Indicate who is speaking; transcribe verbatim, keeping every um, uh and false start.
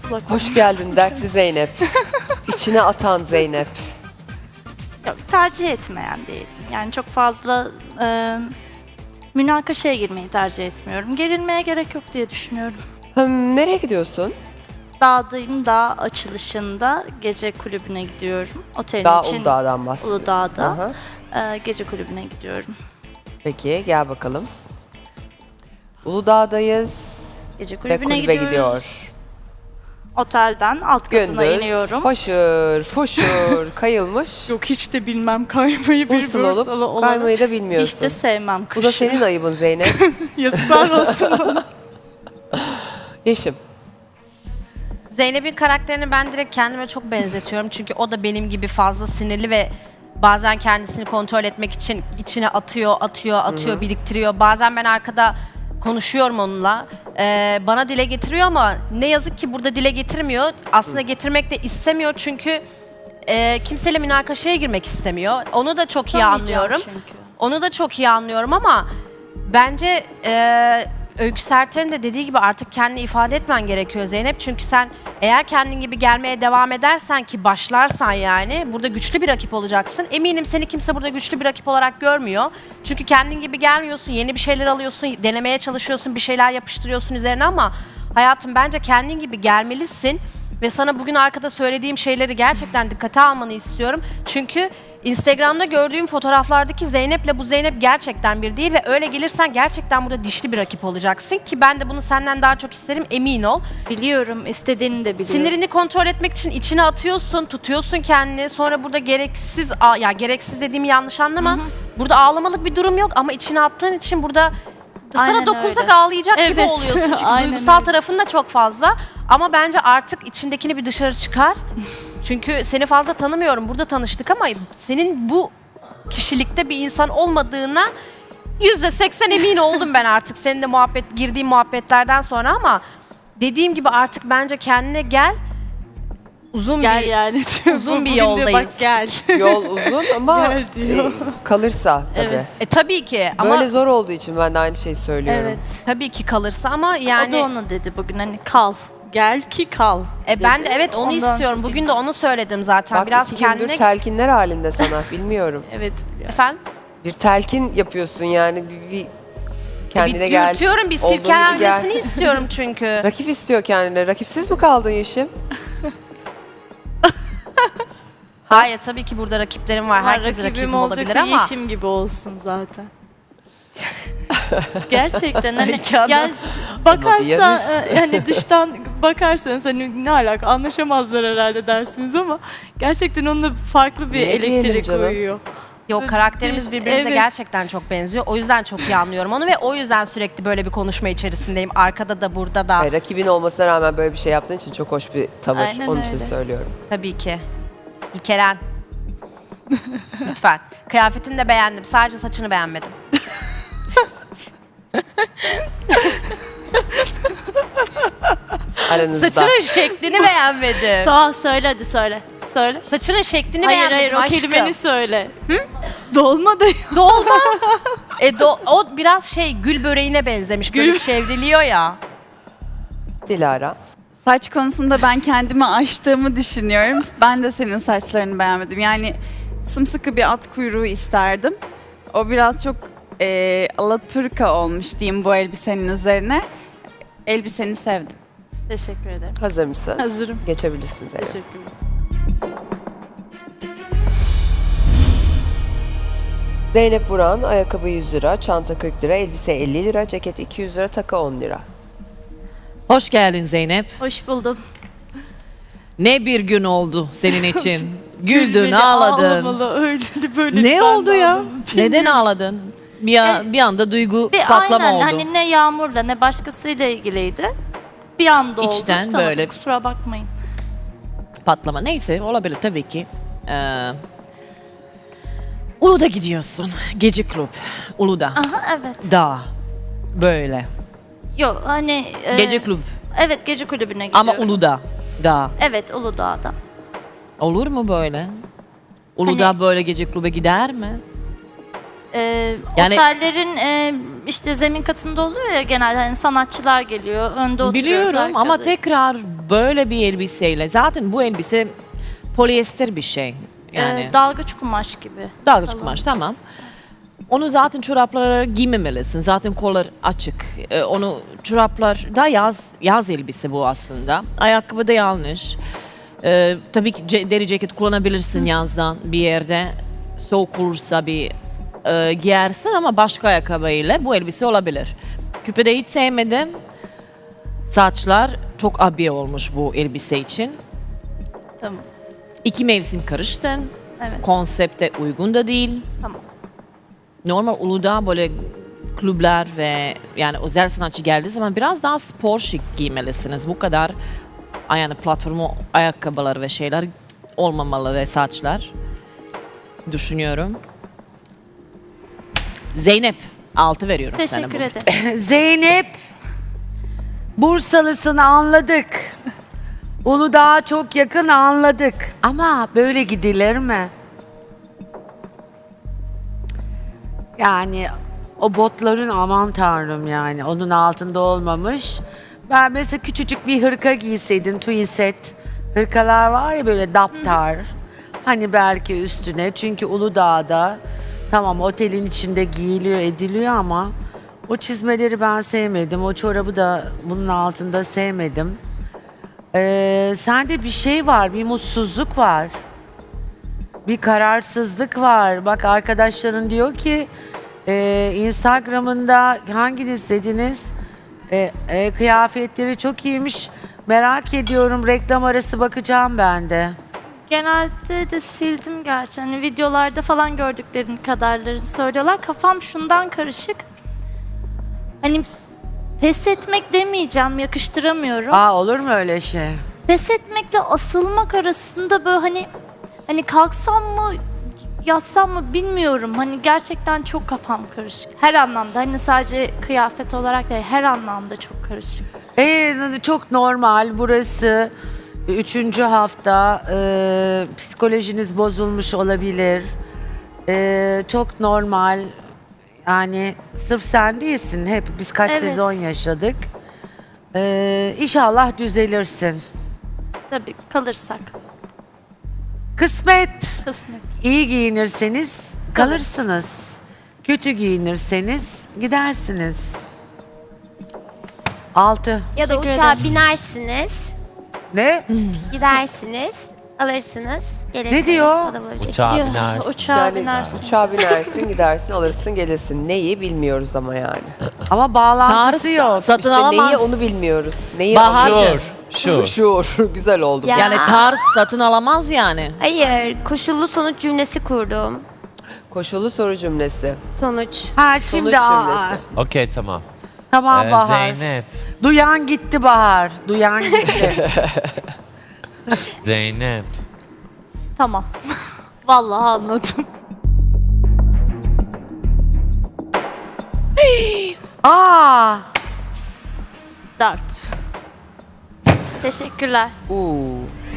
Speaker 1: kulak.
Speaker 2: Hoş geldin dertli Zeynep. İçine atan Zeynep.
Speaker 1: Yok, tercih etmeyen değilim. Yani çok fazla e, münakaşaya girmeyi tercih etmiyorum. Gerilmeye gerek yok diye düşünüyorum.
Speaker 2: Hım, nereye gidiyorsun?
Speaker 1: Dağdayım, dağ açılışında gece kulübüne gidiyorum. Otelin
Speaker 2: Dağ
Speaker 1: için
Speaker 2: Uludağ'dan bahsediyorsun.
Speaker 1: Uludağ'da
Speaker 2: Aha.
Speaker 1: e, gece kulübüne gidiyorum.
Speaker 2: Peki gel bakalım. Uludağ'dayız
Speaker 1: Gece
Speaker 2: ve
Speaker 1: kulübüne
Speaker 2: kulübe
Speaker 1: gidiyoruz.
Speaker 2: gidiyor.
Speaker 1: Otelden alt katına
Speaker 2: Gündüz
Speaker 1: iniyorum.
Speaker 2: foşur foşur kayılmış.
Speaker 1: Yok hiç de bilmem kaymayı, bir
Speaker 2: Bursalı
Speaker 1: Bursalı
Speaker 2: olup
Speaker 1: olarak.
Speaker 2: kaymayı da bilmiyorsun.
Speaker 1: Hiç de sevmem
Speaker 2: Bu
Speaker 1: kışı.
Speaker 2: da senin ayıbın Zeynep.
Speaker 1: Yazıklar olsun bana.
Speaker 2: Yeşim.
Speaker 3: Zeynep'in karakterini ben direkt kendime çok benzetiyorum. Çünkü o da benim gibi fazla sinirli ve bazen kendisini kontrol etmek için içine atıyor, atıyor, atıyor,
Speaker 2: Hı-hı.
Speaker 3: biriktiriyor. Bazen ben arkada konuşuyorum onunla. Ee, bana dile getiriyor ama ne yazık ki burada dile getirmiyor. Aslında getirmek de istemiyor çünkü e, kimseyle münakaşaya girmek istemiyor. Onu da çok iyi
Speaker 1: Tutamayacağım
Speaker 3: anlıyorum.
Speaker 1: çünkü.
Speaker 3: Onu da çok iyi anlıyorum ama bence e, Öykü Serter'in de dediği gibi artık kendini ifade etmen gerekiyor Zeynep. Çünkü sen eğer kendin gibi gelmeye devam edersen ki başlarsan yani burada güçlü bir rakip olacaksın. Eminim seni kimse burada güçlü bir rakip olarak görmüyor. Çünkü kendin gibi gelmiyorsun, yeni bir şeyler alıyorsun, denemeye çalışıyorsun, bir şeyler yapıştırıyorsun üzerine ama hayatım bence kendin gibi gelmelisin. Ve sana bugün arkada söylediğim şeyleri gerçekten dikkate almanı istiyorum. Çünkü Instagram'da gördüğüm fotoğraflardaki Zeynep'le bu Zeynep gerçekten bir değil ve öyle gelirsen gerçekten burada dişli bir rakip olacaksın ki ben de bunu senden daha çok isterim, emin ol.
Speaker 1: Biliyorum, istediğini de biliyorum.
Speaker 3: Sinirini kontrol etmek için içine atıyorsun, tutuyorsun kendini. Sonra burada gereksiz, a- ya gereksiz dediğimi yanlış anlama. Burada ağlamalık bir durum yok ama içine attığın için burada
Speaker 1: Aynen
Speaker 3: sana dokunsak
Speaker 1: öyle.
Speaker 3: ağlayacak gibi
Speaker 1: Evet.
Speaker 3: oluyorsun. Çünkü
Speaker 1: Aynen
Speaker 3: duygusal
Speaker 1: öyle.
Speaker 3: tarafın da çok fazla. Ama bence artık içindekini bir dışarı çıkar. Çünkü seni fazla tanımıyorum. Burada tanıştık ama senin bu kişilikte bir insan olmadığına yüzde seksen emin oldum ben artık. Seninle muhabbet, girdiğim muhabbetlerden sonra ama dediğim gibi artık bence kendine gel. Uzun
Speaker 1: Gel
Speaker 3: bir
Speaker 1: yani.
Speaker 3: uzun bir
Speaker 1: Bugün diyor,
Speaker 3: yoldayız.
Speaker 1: Bak gel.
Speaker 2: Yol uzun ama
Speaker 1: Gel diyor.
Speaker 2: e, kalırsa tabii.
Speaker 1: Evet.
Speaker 3: E tabii ki ama
Speaker 2: Böyle zor olduğu için ben de aynı şeyi söylüyorum.
Speaker 1: Evet.
Speaker 3: tabii ki kalırsa ama
Speaker 1: Yani,
Speaker 3: yani
Speaker 1: o da onu dedi bugün hani kal. Gel ki kal.
Speaker 3: e ben de
Speaker 1: dedi.
Speaker 3: evet onu
Speaker 1: Ondan
Speaker 3: istiyorum.
Speaker 1: çok
Speaker 3: Bugün de onu söyledim zaten.
Speaker 2: Bak
Speaker 3: Biraz
Speaker 2: iki gündür
Speaker 3: kendine
Speaker 2: telkinler halinde sana bilmiyorum.
Speaker 1: Evet biliyorum.
Speaker 3: efendim
Speaker 2: Bir telkin yapıyorsun yani bir, bir kendine
Speaker 3: bir
Speaker 2: gel.
Speaker 3: dürtüyorum, bir
Speaker 2: olduğun gibi
Speaker 3: sirkelenmesini
Speaker 2: gel.
Speaker 3: istiyorum çünkü.
Speaker 2: Rakip istiyor kendine. Rakipsiz mi kaldın Yeşim?
Speaker 3: Hayır tabii ki burada rakiplerim var.
Speaker 1: Ama
Speaker 3: Herkes
Speaker 1: rakibim
Speaker 3: rakibim olabilir
Speaker 1: olacaksa
Speaker 3: ama.
Speaker 1: Yeşim gibi olsun zaten. Gerçekten hani
Speaker 3: Öykü Hanım.
Speaker 1: yani bakarsan
Speaker 2: yarış.
Speaker 1: e, yani dıştan bakarsanız hani ne alaka anlaşamazlar herhalde dersiniz ama gerçekten onunla farklı bir
Speaker 2: Ne diyelim
Speaker 1: elektrik
Speaker 2: canım?
Speaker 1: uyuyor.
Speaker 3: Yok karakterimiz birbirimize
Speaker 1: Evet.
Speaker 3: gerçekten çok benziyor. O yüzden çok iyi anlıyorum onu ve o yüzden sürekli böyle bir konuşma içerisindeyim. Arkada da burada da.
Speaker 2: Hayır, rakibin olmasına rağmen böyle bir şey yaptığın için çok hoş bir tavır.
Speaker 1: Aynen
Speaker 2: Onun için
Speaker 1: öyle.
Speaker 2: söylüyorum.
Speaker 3: Tabii ki. İlkelen. Lütfen. Kıyafetini de beğendim. Sadece saçını beğenmedim.
Speaker 2: Aranızda.
Speaker 3: Saçının şeklini beğenmedim.
Speaker 1: Tamam söyle hadi söyle. Söyle.
Speaker 3: Saçının şeklini
Speaker 1: Hayır
Speaker 3: beğenmedim
Speaker 1: hayır o
Speaker 3: aşkım.
Speaker 1: kelimeni söyle. Hı? Dolma da
Speaker 3: Dolma. e, do- o biraz şey gül böreğine benzemiş. Böyle
Speaker 1: Gül-
Speaker 3: çevriliyor ya.
Speaker 2: Dilara.
Speaker 4: Saç konusunda ben kendimi aştığımı düşünüyorum. Ben de senin saçlarını beğenmedim. Yani sımsıkı bir at kuyruğu isterdim. O biraz çok e, alaturka olmuş diyeyim bu elbisenin üzerine. Elbiseni sevdim.
Speaker 1: Teşekkür ederim.
Speaker 2: Hazır mısın?
Speaker 1: Hazırım.
Speaker 2: Geçebilirsin Zeynep.
Speaker 1: Teşekkürler.
Speaker 2: Zeynep Vuran, ayakkabı yüz lira, çanta kırk lira, elbise elli lira, ceket iki yüz lira, takı on lira.
Speaker 5: Hoş geldin Zeynep.
Speaker 1: Hoş buldum.
Speaker 5: Ne bir gün oldu senin için. Güldün,
Speaker 1: Gülmeli,
Speaker 5: ağladın.
Speaker 1: ağlamalı, öyle böyle.
Speaker 5: Ne
Speaker 1: ben
Speaker 5: oldu
Speaker 1: de
Speaker 5: ya?
Speaker 1: ağladım.
Speaker 5: Neden ağladın? Bir, a- bir anda duygu
Speaker 1: Bir
Speaker 5: patlama
Speaker 1: aynen
Speaker 5: oldu.
Speaker 1: hani ne Yağmur'la ne başkasıyla ilgiliydi. Bir anda oldu.
Speaker 5: İçten
Speaker 1: tutamadım,
Speaker 5: böyle.
Speaker 1: Kusura bakmayın.
Speaker 5: Patlama. Neyse olabilir tabii ki. Ee, Uludağ gidiyorsun. Gece kulüp. Uludağ.
Speaker 1: Aha evet.
Speaker 5: Dağ. Böyle.
Speaker 1: Yok hani... e,
Speaker 5: Gece kulüp.
Speaker 1: Evet gece kulübüne gidiyorum.
Speaker 5: Ama Uludağ. Dağ.
Speaker 1: Evet Uludağ'da.
Speaker 5: Olur mu böyle? Uludağ
Speaker 1: Hani-
Speaker 5: böyle gece kulübe gider mi?
Speaker 1: e,
Speaker 5: Yani-
Speaker 1: otellerin e, işte zemin katında oluyor ya genelde hani sanatçılar geliyor, önde oturuyoruz.
Speaker 5: Biliyorum ama
Speaker 1: arkada.
Speaker 5: tekrar böyle bir elbiseyle zaten bu elbise polyester bir şey.
Speaker 1: E,
Speaker 5: Yani
Speaker 1: dalgıç kumaş gibi.
Speaker 5: dalgıç
Speaker 1: Kalın.
Speaker 5: kumaş tamam. Onu zaten çoraplara giymemelisin. Zaten kollar açık. Ee, onu çoraplar da yaz yaz elbise bu aslında. Ayakkabı da yanlış. Ee, tabii ki ce- deri ceket kullanabilirsin yazdan bir yerde. Soğuk olursa bir e, giyersin ama başka ayakkabıyla bu elbise olabilir. Küpe de hiç sevmedim. Saçlar çok abiye olmuş bu elbise için.
Speaker 1: Tamam.
Speaker 5: İki mevsim karıştın.
Speaker 1: Evet.
Speaker 5: Konsepte uygun da değil.
Speaker 1: Tamam.
Speaker 5: Normal Uludağ böyle kulüpler ve yani özel sanatçı geldiği zaman biraz daha spor şık giymelisiniz. Bu kadar yani platformu ayakkabılar ve şeyler olmamalı ve saçlar düşünüyorum. Zeynep altı veriyorum sana bu.
Speaker 1: Teşekkür ederim.
Speaker 6: Zeynep, Bursalısını anladık. Uludağ'a çok yakın anladık. Ama böyle gidilir mi? Yani o botların aman tanrım yani onun altında olmamış. Ben mesela küçücük bir hırka giyseydin twin set. Hırkalar var ya böyle daptar. Hani belki üstüne çünkü Uludağ'da tamam otelin içinde giyiliyor ediliyor ama o çizmeleri ben sevmedim. O çorabı da bunun altında sevmedim. Ee, sende bir şey var, bir mutsuzluk var. Bir kararsızlık var. Bak arkadaşların diyor ki e, Instagram'ında hanginiz dediniz? E, e, kıyafetleri çok iyiymiş. Merak ediyorum. Reklam arası bakacağım ben de.
Speaker 1: Genelde de sildim gerçi. Hani videolarda falan gördüklerin kadarlarını söylüyorlar. Kafam şundan karışık. Hani pes etmek demeyeceğim, yakıştıramıyorum.
Speaker 6: Aa olur mu öyle şey?
Speaker 1: Pes etmekle asılmak arasında böyle hani hani kalksam mı yatsam mı bilmiyorum. Hani gerçekten çok kafam karışık. Her anlamda hani sadece kıyafet olarak değil her anlamda çok karışık.
Speaker 6: Ee, çok normal. Burası üçüncü hafta. Ee, psikolojiniz bozulmuş olabilir. Ee, çok normal. Yani sırf sen değilsin. Hep biz kaç
Speaker 1: Evet.
Speaker 6: sezon yaşadık. Ee, İnşallah düzelirsin.
Speaker 1: Tabii kalırsak
Speaker 6: Kısmet.
Speaker 1: kısmet.
Speaker 6: İyi giyinirseniz kalırsınız. Kötü giyinirseniz gidersiniz. Altı.
Speaker 7: Ya da
Speaker 1: Teşekkür
Speaker 7: uçağa
Speaker 1: ederim.
Speaker 7: binersiniz,
Speaker 6: Ne?
Speaker 7: gidersiniz, alırsınız, gelirsiniz.
Speaker 6: diyor?
Speaker 7: o da böyle
Speaker 8: Uçağa
Speaker 1: Yok,
Speaker 8: binersin.
Speaker 1: Uçağa
Speaker 2: Yani
Speaker 1: binersin.
Speaker 2: uçağa binersin, gidersin, alırsın, gelirsin. Neyi bilmiyoruz ama yani.
Speaker 6: Ama bağlantısı
Speaker 5: Tarz
Speaker 6: yok.
Speaker 5: satın
Speaker 2: İşte
Speaker 5: alamaz.
Speaker 2: neyi onu bilmiyoruz. Neyi
Speaker 5: Bahar-
Speaker 8: Şur. Şur.
Speaker 2: Şuur. Güzel oldu.
Speaker 7: Ya.
Speaker 5: Yani tarz satın alamaz yani.
Speaker 7: Hayır, koşullu sonuç cümlesi kurdum.
Speaker 2: Koşullu soru cümlesi.
Speaker 7: Sonuç.
Speaker 6: Ha
Speaker 2: Sonuç
Speaker 6: şimdi aa,
Speaker 2: cümlesi.
Speaker 8: Okey tamam.
Speaker 6: tamam
Speaker 8: Ee,
Speaker 6: Bahar.
Speaker 8: Zeynep.
Speaker 6: Duyan gitti Bahar. Duyan gitti.
Speaker 8: Zeynep.
Speaker 1: Tamam. Vallahi anladım.
Speaker 6: Aa,
Speaker 1: Dört. Teşekkürler.
Speaker 2: Uuu.